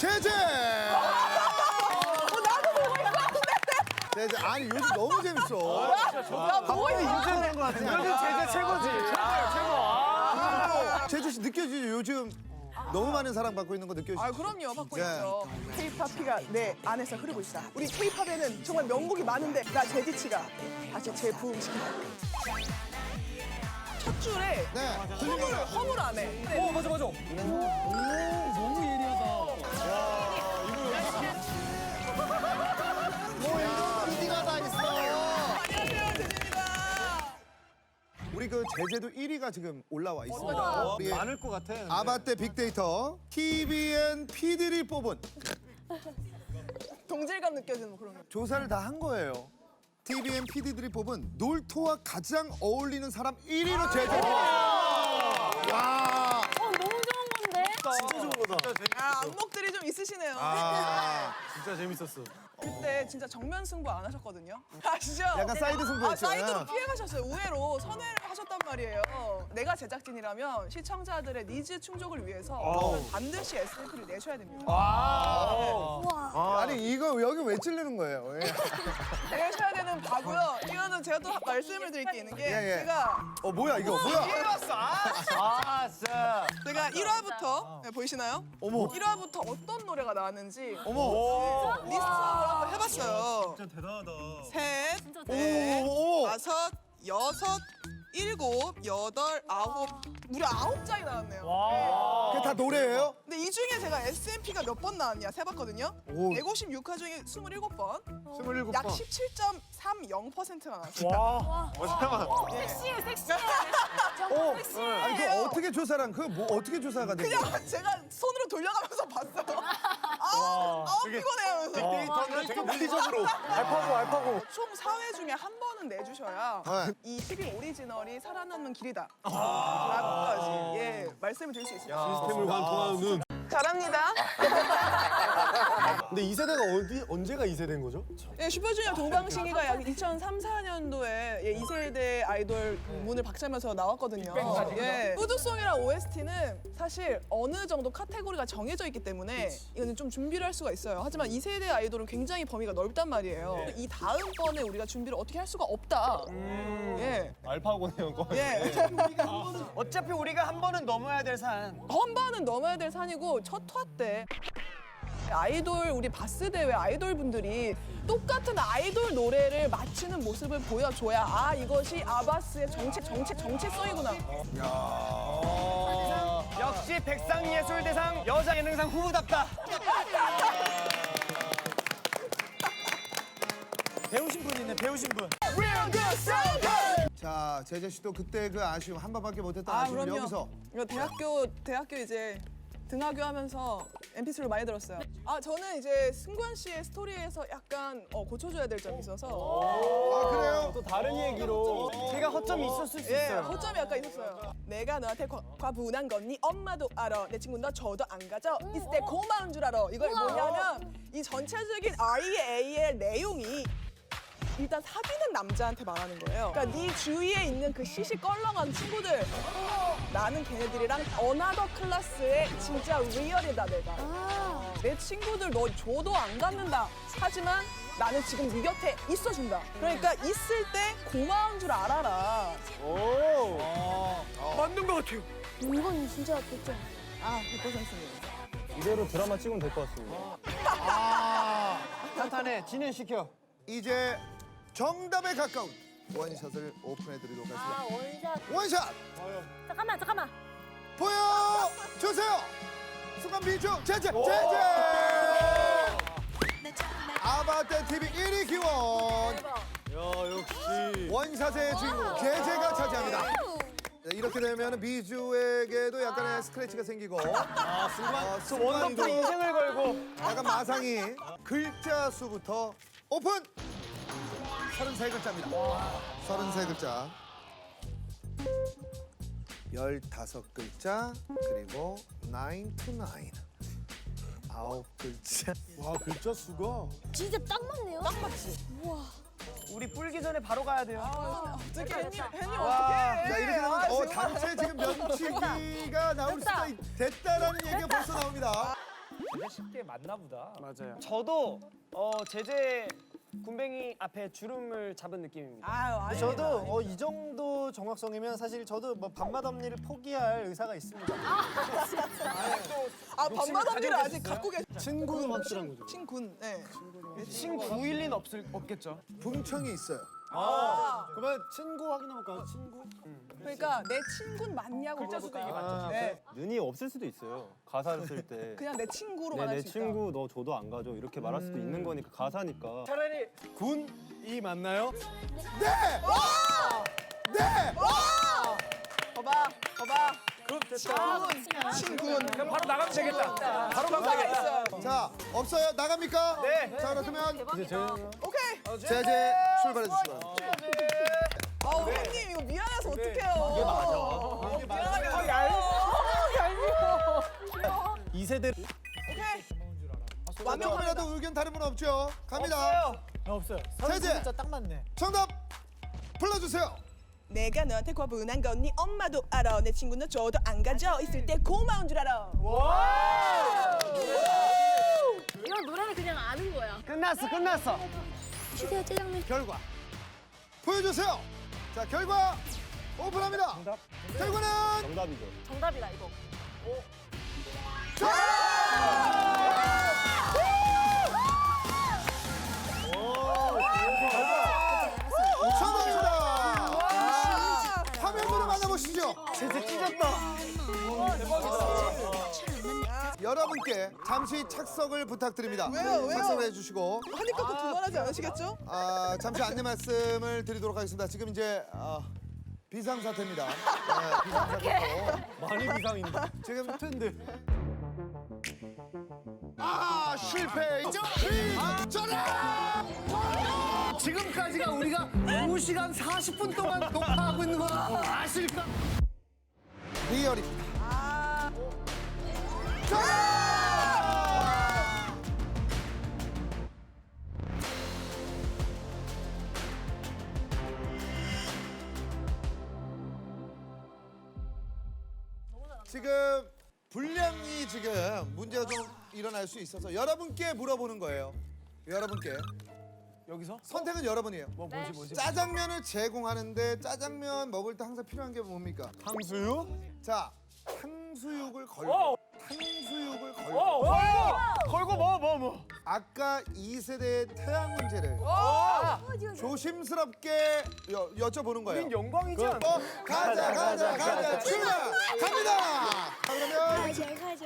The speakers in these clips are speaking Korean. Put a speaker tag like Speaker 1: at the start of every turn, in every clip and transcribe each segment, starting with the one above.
Speaker 1: 제재.
Speaker 2: 나도 보고 있었는데.
Speaker 1: 제재. 아니 요즘 너무 재밌어.
Speaker 2: 나 보고 있었는데.
Speaker 3: 요즘 제재 최고지. 최고야, 최고.
Speaker 1: 제재 씨 느껴지죠? 요즘 너무 많은 사랑 받고 있는 거 느껴지죠?
Speaker 2: 아 그럼요 받고
Speaker 1: 네.
Speaker 2: 있죠. K-팝피가 내 안에서 흐르고 있다. 우리 K-팝에는 정말 명곡이 많은데 나 제디치가 다시 재부흥시킨다. 첫 줄에
Speaker 1: 네.
Speaker 2: 허물 안 해.
Speaker 3: 맞아, 맞아. 너무 예리하다.
Speaker 1: 뭐 이런 PD가 다 있어.
Speaker 2: 안녕하세요 제디입니다.
Speaker 1: 우리 그 제재도 1위가 지금 올라와 있습니다. 우리
Speaker 3: 많을 것 같아. 근데.
Speaker 1: 아바떼 빅데이터 TVN PD를 뽑은
Speaker 2: 동질감 느껴지는 그런 거.
Speaker 1: 조사를 다 한 거예요. TVN PD들이 뽑은 놀토와 가장 어울리는 사람 1위로 제재. 와.
Speaker 4: 너무 좋은 건데?
Speaker 3: 진짜 좋은 거다.
Speaker 2: 아 안목들이 좀 있으시네요.
Speaker 3: 진짜 재밌었어.
Speaker 2: 그때 진짜 정면 승부 안 하셨거든요. 아시죠?
Speaker 1: 약간 사이드 승부였잖아요.
Speaker 2: 사이드로 피해가셨어요. 우회로 선회를 하셨단 말이에요. 내가 제작진이라면 시청자들의 니즈 충족을 위해서 반드시 SF를 내셔야 됩니다.
Speaker 1: 아니 이거 여기 왜 찔르는 거예요? 예.
Speaker 2: 내셔야 되는 바고요. 이거는 제가 또 말씀을 드릴 게 있는 게
Speaker 1: 예.
Speaker 2: 제가
Speaker 1: 뭐야 이거 뭐야?
Speaker 3: 진짜.
Speaker 2: 제가 1화부터 보이시나요?
Speaker 1: 어머.
Speaker 2: 1화부터 어떤 노래가 나왔는지
Speaker 1: 어머.
Speaker 2: 리스트업을 한번 해봤어요.
Speaker 3: 진짜 대단하다.
Speaker 2: 셋,
Speaker 4: 진짜
Speaker 2: 넷,
Speaker 1: 오.
Speaker 2: 다섯, 여섯, 일곱, 여덟, 아홉, 무려 9장이 나왔네요.
Speaker 1: 그게 다 노래예요?
Speaker 2: 근데 이 중에 제가 SMP가 몇 번 나왔냐 세봤거든요.
Speaker 1: 오.
Speaker 2: 156화 중에 27번,
Speaker 1: 27번.
Speaker 2: 약 17.30%가 나왔어요.
Speaker 4: 섹시해, 섹시해.
Speaker 1: 오.
Speaker 4: 정말 섹시해.
Speaker 1: 아니 그 어떻게 조사랑 그 뭐 어떻게 조사가 된 거야?
Speaker 2: 그냥 제가 손으로 돌려가면서 봤어요. 피곤해 하면서.
Speaker 3: 데이터는 되게 물리적으로. 알파고.
Speaker 2: 총 4회 중에 한 번은 내주셔야
Speaker 1: 네.
Speaker 2: 이 TV 오리지널이 살아남는 길이다. 라고까지 말씀을 드릴 수 있습니다.
Speaker 3: 시스템을 관통하는 눈.
Speaker 2: 잘합니다.
Speaker 3: 근데 이 세대가 언제가 이 세대인 거죠?
Speaker 2: 슈퍼주니어 동방신기가 약 2003, 4년도에 2세대 아이돌 문을 박차면서 나왔거든요. 푸드송이랑 OST는 사실 어느 정도 카테고리가 정해져 있기 때문에 이거는 좀 준비를 할 수가 있어요. 하지만 2세대 아이돌은 굉장히 범위가 넓단 말이에요. 이 다음번에 우리가 준비를 어떻게 할 수가 없다.
Speaker 3: 알파고네요, 거의.
Speaker 5: 어차피 우리가 한 번은 넘어야 될 산.
Speaker 2: 한 번은 넘어야 될 산이고 첫 화 때 아이돌 우리 바스 대회 아이돌 분들이 똑같은 아이돌 노래를 맞추는 모습을 보여줘야 아 이것이 아바스의 정체성이구나.
Speaker 5: 역시 백상예술대상 여자 예능상 후보답다. 배우신 분 있네, 배우신 분.
Speaker 1: 자 제재 씨도 그때 그 아쉬움 한 번밖에 못했던 아쉬움
Speaker 2: 그럼요.
Speaker 1: 여기서
Speaker 2: 이거 대학교 이제 등하교 하면서 MP3를 많이 들었어요. 저는 이제 승관 씨의 스토리에서 약간 고쳐줘야 될 점이 있어서
Speaker 1: 아 그래요?
Speaker 3: 또 다른 얘기로.
Speaker 5: 제가 허점이 있었을 수 있어요.
Speaker 2: 허점이 약간 있었어요. 내가 너한테 과분한 건 네 엄마도 알아. 내 친구 너 저도 안 가져. 있을 때 고마운 줄 알아. 이거 뭐냐면 이 전체적인 REA의 내용이 일단 사귀는 남자한테 말하는 거예요. 그러니까 네 주위에 있는 그 시시껄렁한 친구들 나는 걔네들이랑 어나더 클래스의 진짜 리얼이다 내가. 내 친구들 너 줘도 안 갖는다. 하지만 나는 지금 네 곁에 있어준다. 그러니까 있을 때 고마운 줄 알아라.
Speaker 5: 맞는 것 같아요.
Speaker 4: 이건 진짜 100점.
Speaker 2: 100%입니다.
Speaker 3: 이대로 드라마 찍으면 될 것 같습니다.
Speaker 5: 탄탄해, 진행시켜.
Speaker 1: 이제 정답에 가까운 원샷을 오픈해드리도록 하겠습니다.
Speaker 4: 원샷.
Speaker 1: 원샷
Speaker 4: 잠깐만.
Speaker 1: 보여주세요. 순간 비주 제재. 아바떼 TV 1위 기원
Speaker 3: 야, 역시.
Speaker 1: 원샷의 주인공 제재가 차지합니다. 네, 이렇게 되면 비주에게도 약간의 스크래치가 생기고
Speaker 5: 원더풀
Speaker 1: 순간도
Speaker 5: 인생을 걸고.
Speaker 1: 약간 마상이 글자 수부터 오픈! 33글자입니다. 33글자. 15글자 그리고 9 to 9. 9글자.
Speaker 3: 와, 글자 수가.
Speaker 4: 진짜 딱 맞네요. 딱 맞지. 우와.
Speaker 5: 우리 뿔기 전에 바로 가야 돼요.
Speaker 2: 어떻게 혜님
Speaker 1: 자
Speaker 2: 어떻게?
Speaker 1: 이렇게 되면 단체 지금 면치기가 나올 수가 됐다라는 얘기가 벌써 나옵니다.
Speaker 6: 되게 쉽게 맞나 보다.
Speaker 3: 맞아요.
Speaker 5: 저도 제재 군뱅이 앞에 주름을 잡은 느낌입니다.
Speaker 2: 아유, 아니.
Speaker 3: 저도 이 정도 정확성이면 사실 저도 뭐 밤마다 언니를 포기할 의사가 있습니다.
Speaker 2: 아, 밤마다 언니를 아직 갖고 계신
Speaker 3: 친구는 확실한 거죠.
Speaker 2: 친군. 네.
Speaker 5: 친구일린 없겠죠.
Speaker 1: 분청이 있어요.
Speaker 3: 그러면 친구 확인해볼까요? 친구?
Speaker 2: 그러니까 내 친군 맞냐고
Speaker 5: 글자 수도 이게
Speaker 2: 물어볼까요?
Speaker 5: 맞죠?
Speaker 2: 네.
Speaker 3: 눈이 없을 수도 있어요. 가사를 쓸 때.
Speaker 2: 그냥 내 친구로
Speaker 3: 네,
Speaker 2: 말할
Speaker 3: 내
Speaker 2: 수 있다.
Speaker 3: 친구 너 줘도 안 가져 이렇게 말할 수도 있는 거니까 가사니까.
Speaker 5: 차라리
Speaker 3: 군이 맞나요?
Speaker 1: 네! 네!
Speaker 2: 봐봐.
Speaker 6: 그럼 됐다.
Speaker 2: 친군.
Speaker 6: 그럼 바로 나가면 되겠다. 바로 가면
Speaker 2: 가사
Speaker 6: 되겠다.
Speaker 2: 있어요.
Speaker 1: 자, 없어요? 나갑니까?
Speaker 5: 네.
Speaker 1: 자, 그렇다면
Speaker 3: 이제 저희
Speaker 2: 오케이.
Speaker 1: 제재 출발해 주시기 바랍니다.
Speaker 2: 형님 이거 미안해서 어떡해요. 이게 맞아. 미안하게.
Speaker 3: 이세대
Speaker 2: 오케이.
Speaker 1: 조금이라도 의견 다른 분 없죠? 갑니다.
Speaker 3: 없어요.
Speaker 1: 제재
Speaker 3: 딱 맞네.
Speaker 1: 정답 불러주세요.
Speaker 2: 내가 너한테 과분한 건 네 엄마도 알아. 내 친구는 줘도 안 가져. 있을 때 고마운 줄 알아.
Speaker 4: 이건 노래를 그냥 아는 거야.
Speaker 5: 끝났어.
Speaker 4: 주세요, 짜장면.
Speaker 1: 결과 보여주세요. 자, 결과 오픈합니다. 결과는
Speaker 3: 정답이죠.
Speaker 4: 정답이다, 이거.
Speaker 1: 정답입니다. 화면으로 만나보시죠.
Speaker 3: 제재 찢었다.
Speaker 1: 여러분께 잠시 착석을 부탁드립니다.
Speaker 2: 왜요?
Speaker 1: 착석을 해주시고
Speaker 2: 하니까 또 두말하지 않으시겠죠?
Speaker 1: 잠시 안내 말씀을 드리도록 하겠습니다. 지금 이제 비상사태입니다. 네, 비상사태고
Speaker 3: 많이 비상인데.
Speaker 1: 지금
Speaker 3: 텐데.
Speaker 1: 실패. 전화.
Speaker 3: 지금까지가 우리가 2시간 40분 동안 녹화하고 있는 거 아실까?
Speaker 1: 리얼입니다. 지금 분량이 지금 문제가 좀 일어날 수 있어서 여러분께 물어보는 거예요. 여러분께
Speaker 3: 여기서?
Speaker 1: 선택은 여러분이에요.
Speaker 3: 뭐지?
Speaker 1: 짜장면을 제공하는데 짜장면 먹을 때 항상 필요한 게 뭡니까?
Speaker 3: 탕수육?
Speaker 1: 자, 탕수육을 걸고
Speaker 6: 오!
Speaker 1: 탕수육을 걸고
Speaker 5: 걸고 뭐.
Speaker 1: 아까 2세대의 태양 문제를 조심스럽게 여쭤보는 거예요.
Speaker 5: 우린 영광이지 않아?
Speaker 1: 가자 출발 갑니다. 자, 그러면
Speaker 4: 잘 가죠.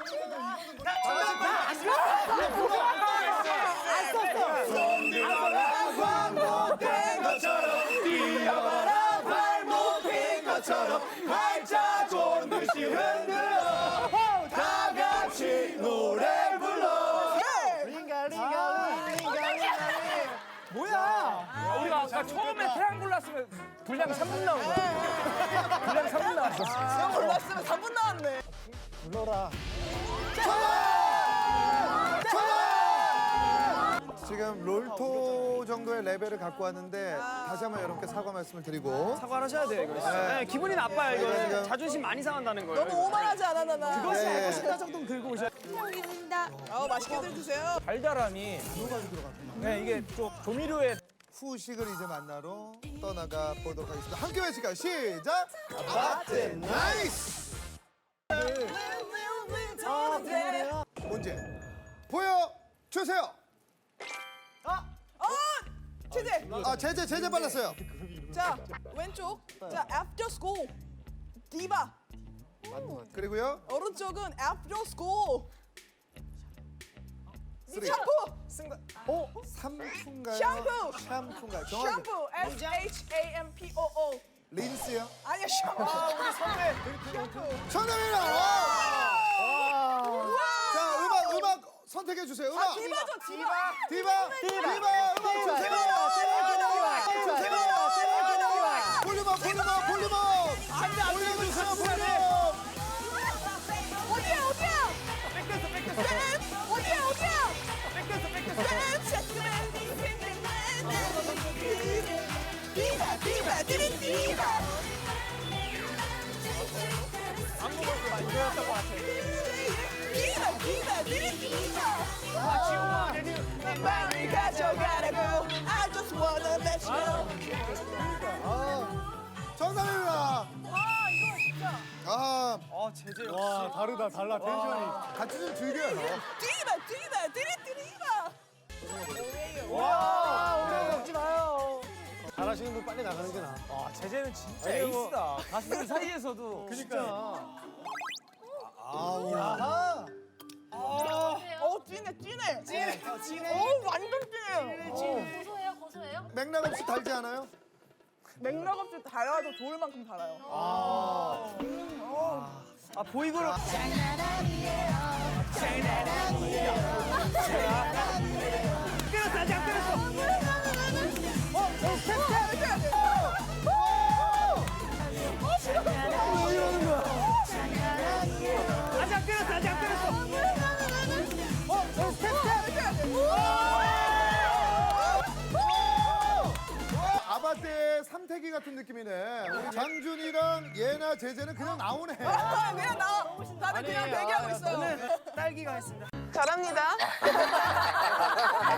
Speaker 1: 발목된 것처럼 뛰어가라 발목된 것처럼 발자국 듯이 흔들어 다 같이 노래 불러.
Speaker 6: 우리가 아까 처음에 태양 골랐으면 분량 3분 나온 거야. 분량 3분 나왔어.
Speaker 2: 내가 몰랐으면 3분 나왔네.
Speaker 3: 불러라.
Speaker 1: 지금 롤토 정도의 레벨을 갖고 왔는데 다시 한번 여러분께 사과 말씀을 드리고
Speaker 5: 사과를 하셔야 돼요, 이거. 네, 기분이 나빠요, 이거.
Speaker 1: 지금-
Speaker 5: 자존심 많이 상한다는 거예요.
Speaker 2: 너무 오만하지 않아, 나.
Speaker 5: 그것이
Speaker 1: 예, 예.
Speaker 5: 알고 싶다 정도는 들고 오셔야
Speaker 4: 여기입니다.
Speaker 2: 맛있게들 드세요.
Speaker 6: 달달함이 네, 이게 좀 조미료에
Speaker 1: 후식을 이제 만나러 떠나가 보도록 하겠습니다. 함께 외칠까요? 시작! 아바트 나이스! 문제 보여주세요!
Speaker 2: 제재.
Speaker 1: 제재 빨랐어요.
Speaker 2: 자, 왼쪽. 자, after school. 디바.
Speaker 1: 그리고요.
Speaker 2: 오른쪽은 after school.
Speaker 1: 쓰리.
Speaker 2: 샴푸.
Speaker 1: 삼푼가요?
Speaker 2: 샴푸.
Speaker 1: 샴푸인가요? 정확히
Speaker 2: 샴푸. SHAMPOO.
Speaker 1: 린스요?
Speaker 2: 아니야, 샴푸. 우리 선배. 샴푸.
Speaker 1: 정답입니다! 자, 음악 선택해 주세요. 음악.
Speaker 2: 디바죠, 디바.
Speaker 1: 디바 음악 주세요. 볼륨업. 올려주세요, 볼륨업.
Speaker 2: 어디야? 디바.
Speaker 6: 안무가 많이 배웠던 것 같아.
Speaker 2: 디바.
Speaker 5: 제재
Speaker 3: 와 다르다 달라 텐션이.
Speaker 1: 같이 좀 즐겨요.
Speaker 2: 띠리바 띠리바.
Speaker 3: 와 오래 먹지 마요. 잘하시는 분 빨리 나가는 게 나아.
Speaker 6: 아, 제재는 진짜
Speaker 3: 아니, 뭐-
Speaker 6: 에이스다. 가수들 사이에서도.
Speaker 3: 그러니까.
Speaker 1: 아우.
Speaker 2: 찐해. 완전 찐해요.
Speaker 4: 고소해요, 고소해요?
Speaker 1: 맥락 없이 달지 않아요?
Speaker 2: 맥락 없이 달아도 좋을 만큼 달아요.
Speaker 5: 아 보이고로
Speaker 6: 때렸어, 아직 안 때렸어.
Speaker 1: 왜 이러는 거야?
Speaker 6: 아직 안 때렸어, 아직 안 때렸어.
Speaker 1: 아바떼 삼태기 같은 느낌이네. 우리 장준이랑 예나 제재는 그냥 나오네.
Speaker 2: 그냥 다들 그냥 대기하고 있어요.
Speaker 5: 딸기가 했습니다.
Speaker 2: 잘합니다.